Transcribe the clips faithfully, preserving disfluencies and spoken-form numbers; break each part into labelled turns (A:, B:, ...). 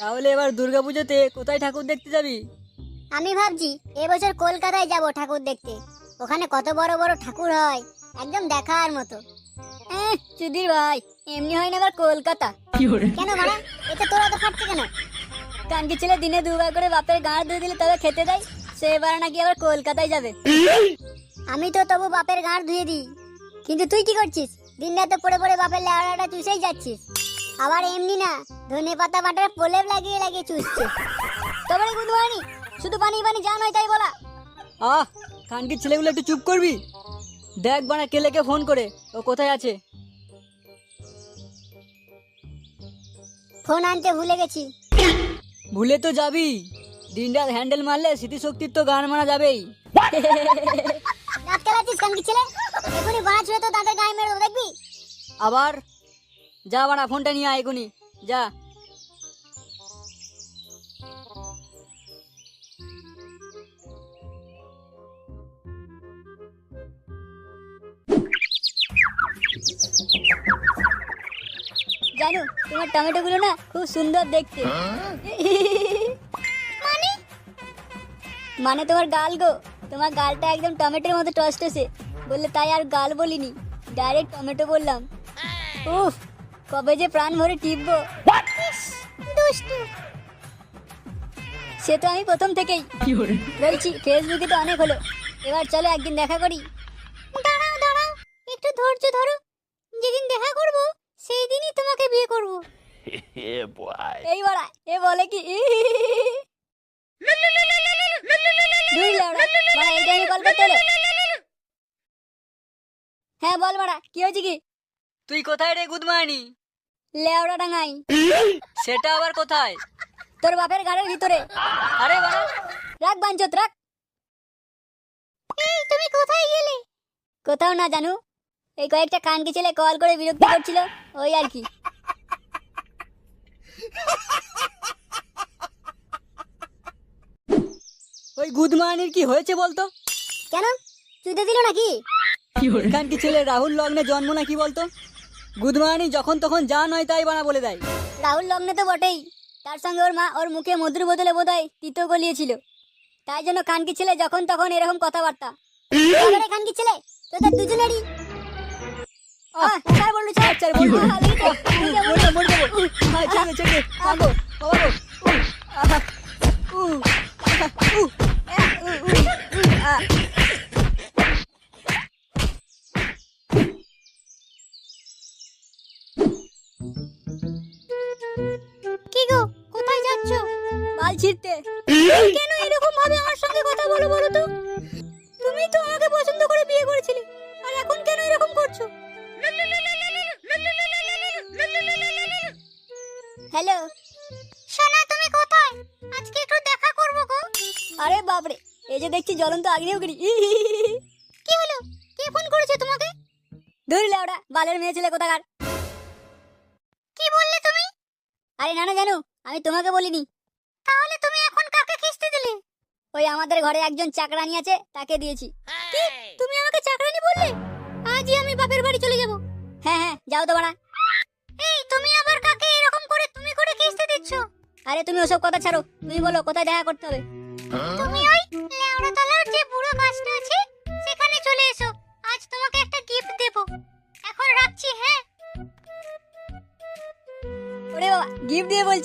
A: তাহলে এবার দুর্গাপুজোতে কোথায় ঠাকুর দেখতে যাবি?
B: আমি ভাবছি এবছর কলকাতায় যাব ঠাকুর দেখতে। ওখানে কত বড় বড় ঠাকুর হয়, একদম দেখার মতো। এহ, চুদির ভাই, এমনি হয় না আবার কলকাতা। কেন মারা, এতে তোরা তো খাচ্ছে কেন? কানকি ছেলে দিনে দুবার করে বাপের গাঁড় ধুয়ে দিলে তবে খেতে দেয়, সে এবার নাকি আবার কলকাতায় যাবে। আমি তো তবু বাপের গাঁড় ধুয়ে দিই, কিন্তু তুই কি করছিস? দিন রাতে পড়ে পড়ে বাপের লেওড়াটা চুষেই যাচ্ছিস। আবার এমনি না, ধনে পাতা বাটার প্রলেপ লাগিয়ে লাগিয়ে চুষছিস। তবে রে গুদমানি, শুধু পানি পানি যা নয় তাই বলা।
A: আহ, কানকির ছেলেগুলো একটু চুপ করবি? দেখ বানা কেলেকে ফোন করে ও কোথায় আছে।
B: ফোন আনতে ভুলে গেছি।
A: ভুলে তো যাবি, দিনরাত হ্যান্ডেল মারলে স্মৃতিশক্তির তো গান মারা যাবেই।
B: রাত খেলাচ্ছিস কানকি ছেলে, এখনই বানা ছুঁড়ে তো তাদের গায়ে মেরে দেবো, দেখবি?
A: আবার যা বানা, ফোনটা নিয়ে আয় এখনই যা।
B: জানো তোমার টমেটো গুলো না খুব সুন্দর দেখতে। মানে মানে তোমার গাল গো, তোমার গালটা একদম টমেটোর মতো টসটসে, বললে তাই আর গাল বলিনি, ডাইরেক্ট টমেটো বললাম। উফ, কবে যে প্রাণ ভরে টিপবো। দুষ্টু, সে তো আমি প্রথম থেকেই বলছি। ফেসবুকে তো অনেক হলো, এবার চলো একদিন দেখা করি। দাঁড়াও দাঁড়াও, একটু ধৈর্য ধরো, যেদিন দেখা করব সেই দিনই তোমাকে বিয়ে করব। এই বড়া, এ বলে কি? দুই লাউড়া, বড়া এই টাইমে কল করতে হলো? হ্যাঁ বল বড়া, কি হয়েছে কি?
A: তুই কোথায় রে গুদমানি?
B: লেওড়া ডাঙাই।
A: সেটা আবার কোথায়?
B: তোর বাপের গাড়ির ভিতরে।
A: আরে বাড়া,
B: রাখ বাঞ্চত রাখ। এই তুমি কোথায় গেলে? কোথাও না জানু, এই কয়েকটা কানকি ছেলে কল করে বিরক্ত করছিল, ওই আর কি।
A: ওই গুদমানির কি হয়েছে বলতো?
B: কেন, চুদে দিল নাকি?
A: কানকি ছেলে রাহুল লগ্নে জন্ম নাকি বলতো? গুদমানি যখন তখন যা নয় তাই বানা বলে দেয়।
B: রাহুল লগ্নে তো বটেই, তার সঙ্গে ওর মা ওর মুখে মধুর বদলে বোধহয় তিতো গলিয়েছিল, তাই জন্য কানকি ছেলে যখন তখন এরকম কথাবার্তা। এবারে কানকি ছেলে তোদের দুজনেরই। আহ, ছাড় বললু, ছাড়,
A: ছাড় বললু।
B: আহ, লেগেছে। আমি যাবো।
A: মরে যাবো, মরে যাবো। আয়, ছেড়ে দে, ছেড়ে দে। আগো, বাবা গো। আহা, উ, আহা, উ, আহ, উ, উ, উ, আহ।
B: কি গো, কোথায় যাচ্ছ?
A: বাল ছিঁড়তে।
B: কেন এরকম ভাবে আমার সঙ্গে কথা বলো বলো তো? তুমি তো আমাকে পছন্দ করে বিয়ে করেছিলে, আর এখন কেন এরকম করছো? হ্যালো সোনা, তুমি কোথায়? আজকে একটু দেখা করব গো। আরে বাপরে, এই যে দেখছি জ্বলন্ত আগ্নেয়গিরি। কি হলো, কে ফোন করেছে তোমাকে? ধরলে ওরা বালের মেয়ে ছেলে কোথাকার। কি বললে তুমি? আরে না না জানো, আমি তোমাকে বলিনি। তাহলে তুমি এখন কাকে খিস্তি দিলে? ওই আমাদের ঘরে একজন চাকরানি আছে, তাকে দিয়েছি। কি, তুমি আমাকে চাকরানি বললে? আজই আমি বাপের বাড়ি চলে যাব। হ্যাঁ হ্যাঁ, যাও তো বাড়া। এই তুমি আবার কাকে এরকম করে তুমি করে খিস্তি দিচ্ছ? আরে তুমি ওসব কথা ছাড়ো, তুমি বলো কোথায় দেখা করতে হবে? তুমি ওই লেওড়াতলার যে বুড়ো গাছটা আছে সেখানে চলে এসো, আজ তোমাকে একটা গিফট দেব। এখন রাখছি, হ্যাঁ? ওরে বাবা, গিফট দিয়ে বলছি।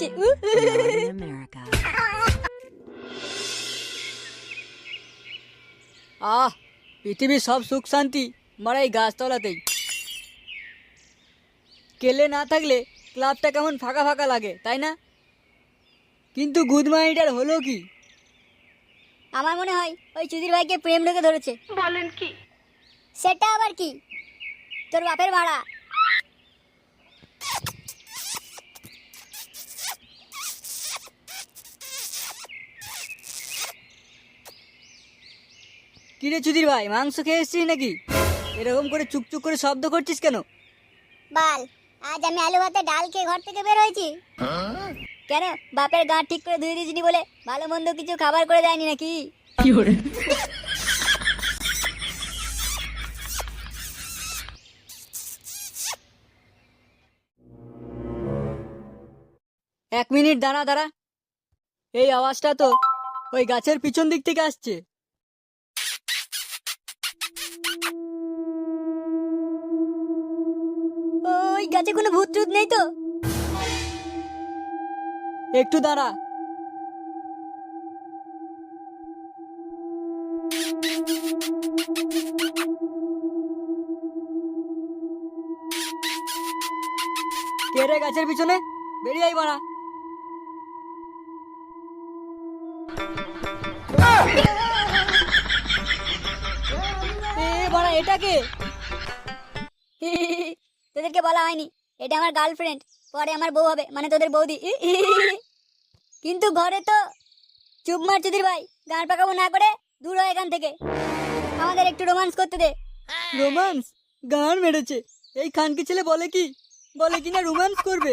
A: আহ, পৃথিবীর সব সুখ শান্তি মারা এই গাছতলাতেই। কেলে না থাকলে ক্লাবটা কেমন ফাঁকা ফাঁকা লাগে, তাই না? কিন্তু গুদমানিটার হলো কি?
B: আমার মনে হয় ওই চুদির ভাইকে প্রেম ঢুকে ধরেছে।
C: বলেন কি?
B: সেটা আবার কি? তোর বাপের ভাড়া।
A: কিরে চুদির ভাই, মাংস খেয়ে এসছিস নাকি? এরকম করে চুকচুক করে শব্দ করছিস কেন?
B: বাল, আজ আমি আলু ভাতে ডাল খেয়ে ঘর থেকে বের হয়েছি। কেন, বাপের গাঁ ঠিক করে ধুয়ে দিয়েছিনি বলে ভালো মন্দ কিছু খাবার করে দেয়নি নাকি?
A: এক মিনিট দাঁড়া দাঁড়া, এই আওয়াজটা তো ওই গাছের পিছন দিক থেকে আসছে।
B: ওই গাছে কোনো ভূত টুত নেই তো?
A: একটু দাঁড়া। কে রে গাছের পিছনে? বেরিয়ে আই বাড়া। এ বাড়া, এটা কে?
B: তোদেরকে বলা হয়নি এটা আমার গার্লফ্রেন্ড, পরে আমার বউ হবে, মানে তোদের বৌদি। কিন্তু ঘরে তো চুপ মার চুদির ভাই, গান পাকাবো না করে দূর হয় এখান থেকে, আমাদের একটু রোমান্স করতে দে।
A: রোমান্স? গান মেরেছে! এই খানকি ছেলে বলে কি বলে কিনা রোমান্স করবে।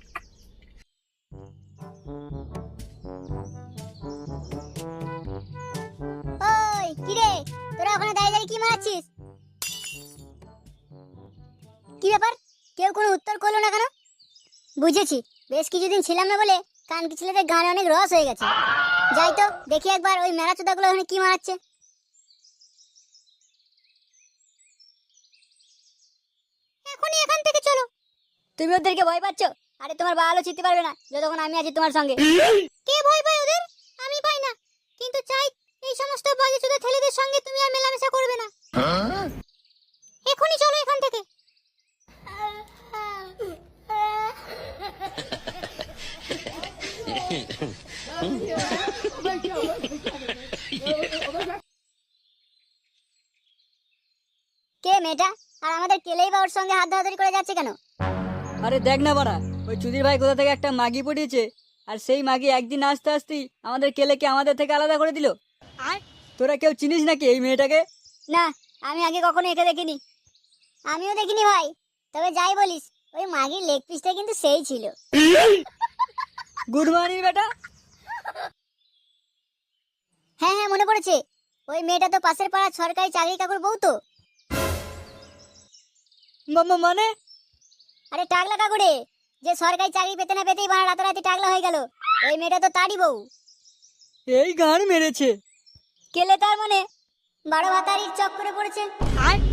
B: ওই কিরে, তোরা ওখানে দাঁড়িয়ে দাঁড়িয়ে কি মারাচ্ছিস? কি ব্যাপার, কেউ কোনো উত্তর করলো না কেন? বুঝেছি, বেশ কিছুদিন ছিলাম না বলে কানকি ছেলেদের গানে অনেক রস হয়ে গেছে। যাই তো দেখি একবার ওই মেরা চোদাগুলো ওখানে কি মারাচ্ছে। এখনই এখান থেকে চলো। তুমি ওদেরকে ভয় পাচ্ছ? আরে তোমার বালও চিনতে পারবে না যতক্ষণ আমি আছি তোমার সঙ্গে। কে ভয় পায় ওদের? আমি পাই না, কিন্তু চাই এই সমস্ত বাজে চোদা ছেলেদের সঙ্গে তুমি আর মেলামেশা করবে না। এখনই চলো এখান থেকে। কে মেয়েটা, আর আমাদের কেলেই বা ওর সঙ্গে হাত ধরাধরি করে যাচ্ছে কেন?
A: আরে দেখ না বাড়া, ওই চুদির ভাই কোথা থেকে একটা মাগি পটিয়েছে, আর সেই মাগি একদিন আসতে আসতেই আমাদের কেলেকে আমাদের থেকে আলাদা করে দিল।
B: আর
A: তোরা কেউ চিনিস নাকি এই মেয়েটাকে?
B: না, আমি আগে কখনো একে দেখিনি। আমিও দেখিনি ভাই, তবে যাই বলিস ওই মাগির লেগ পিসটা কিন্তু সেই ছিল।
A: গুড মর্নিং বেটা।
B: হ্যাঁ হ্যাঁ মনে পড়েছে, ওই মেয়েটা তো পাশের পাড়ার সরকারি চাকরি কাকুর বউ তো।
A: মামা মানে?
B: আরে টাকলা কাকু রে, যে সরকারি চাকরি পেতে না পেতেই বাড়া রাতারাতি টাকলা হয়ে গেল, ওই মেয়েটা তো তারই বউ।
A: এই গান মেরেছে!
B: কেলে তার মানে বারো ভাতারির চক্করে পড়েছে। আর